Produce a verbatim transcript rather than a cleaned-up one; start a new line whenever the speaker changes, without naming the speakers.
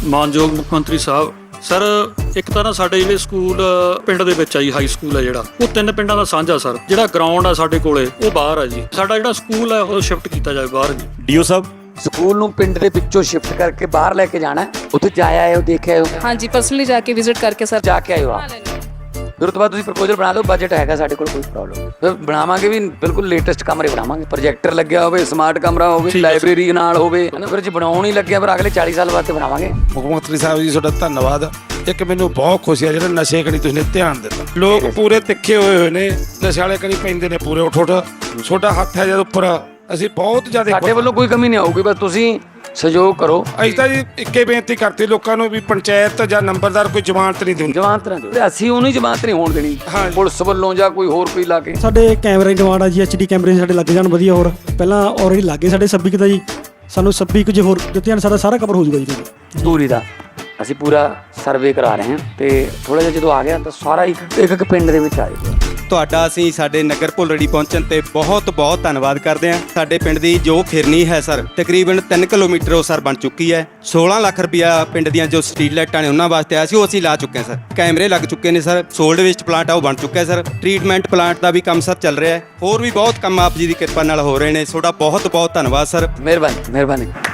ਮਾਨਯੋਗ ਮੁੱਖ ਮੰਤਰੀ ਸਾਹਿਬ ਸਰ, ਇੱਕ ਤਾਂ ਨਾ ਸਾਡੇ ਜਿਹੜੇ ਸਕੂਲ ਪਿੰਡ ਦੇ ਵਿੱਚ ਆ ਜੀ, ਹਾਈ ਸਕੂਲ ਹੈ ਜਿਹੜਾ, ਉਹ ਤਿੰਨ ਪਿੰਡਾਂ ਦਾ ਸਾਂਝਾ ਸਰ। ਜਿਹੜਾ ਗਰਾਊਂਡ ਆ ਸਾਡੇ ਕੋਲੇ ਉਹ ਬਾਹਰ ਆ ਜੀ। ਸਾਡਾ ਜਿਹੜਾ ਸਕੂਲ ਹੈ ਉਹ ਸ਼ਿਫਟ ਕੀਤਾ ਜਾਵੇ ਬਾਹਰ ਜੀ।
ਡੀਓ ਸਾਹਿਬ,
ਸਕੂਲ ਨੂੰ ਪਿੰਡ ਦੇ ਵਿੱਚੋਂ ਸ਼ਿਫਟ ਕਰਕੇ ਬਾਹਰ ਲੈ ਕੇ ਜਾਣਾ, ਉੱਥੇ ਜਾ ਆਏ ਹੋ, ਦੇਖ ਆਏ ਹੋ?
ਹਾਂਜੀ, ਪਰਸਨਲੀ ਜਾ ਕੇ ਵਿਜ਼ਿਟ ਕਰਕੇ ਸਰ
ਜਾ ਕੇ ਆਏ ਹੋ ਆਪ? ਫਿਰ ਉਸ ਤੋਂ ਬਾਅਦ ਤੁਸੀਂ ਪ੍ਰਪੋਜ਼ਲ ਬਣਾ ਲਓ, ਬਜਟ ਹੈਗਾ ਸਾਡੇ ਕੋਲ, ਕੋਈ ਪ੍ਰੋਬਲਮ ਫਿਰ ਬਣਾਵਾਂਗੇ ਵੀ, ਬਿਲਕੁਲ ਲੇਟੈਸਟ ਕਮਰੇ ਬਣਾਵਾਂਗੇ, ਪ੍ਰੋਜੈਕਟਰ ਲੱਗਿਆ ਹੋਵੇ, ਸਮਾਰਟ ਕਮਰਾ ਹੋਵੇ, ਲਾਇਬ੍ਰੇਰੀ ਨਾਲ ਹੋਵੇ। ਫਿਰ ਜੇ ਬਣਾਉਣ ਹੀ ਲੱਗਿਆ ਫਿਰ ਅਗਲੇ ਚਾਲੀ ਸਾਲ ਵਾਸਤੇ ਬਣਾਵਾਂਗੇ।
ਮੁੱਖ ਮੰਤਰੀ ਸਾਹਿਬ ਜੀ ਤੁਹਾਡਾ ਧੰਨਵਾਦ। ਇੱਕ ਮੈਨੂੰ ਬਹੁਤ ਖੁਸ਼ੀ ਆ ਜਿਹੜਾ ਨਸ਼ੇ ਕਣੀ ਤੁਸੀਂ ਧਿਆਨ ਦਿੱਤਾ। ਲੋਕ ਪੂਰੇ ਤਿੱਖੇ ਹੋਏ ਹੋਏ ਨੇ, ਨਸ਼ੇ ਵਾਲੇ ਕਣੀ ਪੈਂਦੇ ਨੇ ਪੂਰੇ ਉੱਠ ਉੱਠ। ਤੁਹਾਡਾ ਹੱਥ ਹੈ ਜਦ ਉੱਪਰ, ਅਸੀਂ ਬਹੁਤ ਜ਼ਿਆਦਾ,
ਸਾਡੇ ਵੱਲੋਂ ਕੋਈ ਕਮੀ ਨਹੀਂ ਆਊਗੀ, ਬਸ ਤੁਸੀਂ ਸਹਿਯੋਗ ਕਰੋ।
ਅਸੀਂ ਤਾਂ ਜੀ ਇੱਕੇ ਬੇਨਤੀ ਕਰਤੀ ਲੋਕਾਂ ਨੂੰ ਵੀ ਪੰਚਾਇਤ ਜਾਂ ਨੰਬਰਦਾਰ ਕੋਈ ਜ਼ਮਾਨਤ ਨਹੀਂ ਦਿੰਦੀ।
ਜਮਾਨਤ ਨਾ ਦਿਓ, ਅਸੀਂ ਉਹਨੂੰ ਜਮਾਨਤ ਨਹੀਂ ਹੋਣ ਦੇਣੀ ਪੁਲਿਸ ਵੱਲੋਂ ਜਾਂ ਕੋਈ ਹੋਰ ਕੋਈ ਲਾ ਕੇ।
ਸਾਡੇ ਕੈਮਰੇ ਦੀ ਡਿਮਾਂਡ ਆ ਜੀ, ਐਚ ਡੀ ਕੈਮਰੇ ਸਾਡੇ ਲੱਗ ਜਾਣ ਵਧੀਆ। ਹੋਰ ਪਹਿਲਾਂ ਆਲਰੇਡੀ ਲੱਗੇ ਸਾਡੇ ਛੱਬੀ ਕੁ ਦਾ ਜੀ, ਸਾਨੂੰ ਛੱਬੀ ਕੁ ਜੇ ਹੋਰ ਦਿੱਤੇ ਜਾਣ ਸਾਡਾ ਸਾਰਾ ਕਵਰ ਹੋ ਜਾਊਗਾ ਜੀ।
ਦੂਰੀ ਦਾ ਅਸੀਂ ਪੂਰਾ ਸਰਵੇ ਕਰਾ ਰਹੇ ਹਾਂ ਤੇ ਥੋੜਾ ਜਿਹਾ ਜਦੋਂ ਆ ਗਿਆ ਤਾਂ ਸਾਰਾ ਇੱਕ ਇੱਕ ਪਿੰਡ ਦੇ ਵਿੱਚ ਆ ਜਾਊਗਾ।
ਤੁਹਾਡਾ ਅਸੀਂ ਸਾਡੇ ਨਗਰ ਭੁੱਲੜੀ ਪਹੁੰਚਣ ਤੇ ਬਹੁਤ ਬਹੁਤ ਧੰਨਵਾਦ ਕਰਦੇ ਹਾਂ। ਸਾਡੇ ਪਿੰਡ ਦੀ ਜੋ ਫਿਰਨੀ ਹੈ ਸਰ, ਤਕਰੀਬਨ ਤਿੰਨ ਕਿਲੋਮੀਟਰ ਉਹ ਸਰ ਬਣ ਚੁੱਕੀ ਹੈ। ਸੋਲਾਂ ਲੱਖ ਰੁਪਇਆ ਪਿੰਡ ਦੀਆਂ ਜੋ ਸਟਰੀਟ ਲਾਈਟਾਂ ਨੇ ਉਹਨਾਂ ਵਾਸਤੇ ਆਇਆ ਸੀ, ਉਹ ਅਸੀਂ ਲਾ ਚੁੱਕੇ ਹਾਂ ਸਰ। ਕੈਮਰੇ ਲੱਗ ਚੁੱਕੇ ਨੇ ਸਰ। ਸੋਲਡ ਵੇਸਟ ਪਲਾਂਟ ਆ ਉਹ ਬਣ ਚੁੱਕਾ ਹੈ ਸਰ। ਟ੍ਰੀਟਮੈਂਟ ਪਲਾਂਟ ਦਾ ਵੀ ਕੰਮ ਸਰ ਚੱਲ ਰਿਹਾ ਹੈ। ਹੋਰ ਵੀ ਬਹੁਤ ਕੰਮ ਆਪ ਜੀ ਦੀ ਕਿਰਪਾ ਨਾਲ ਹੋ ਰਹੇ ਨੇ। ਤੁਹਾਡਾ ਬਹੁਤ ਬਹੁਤ ਧੰਨਵਾਦ ਸਰ।
ਮਿਹਰਬਾਨੀ ਮਿਹਰਬਾਨੀ।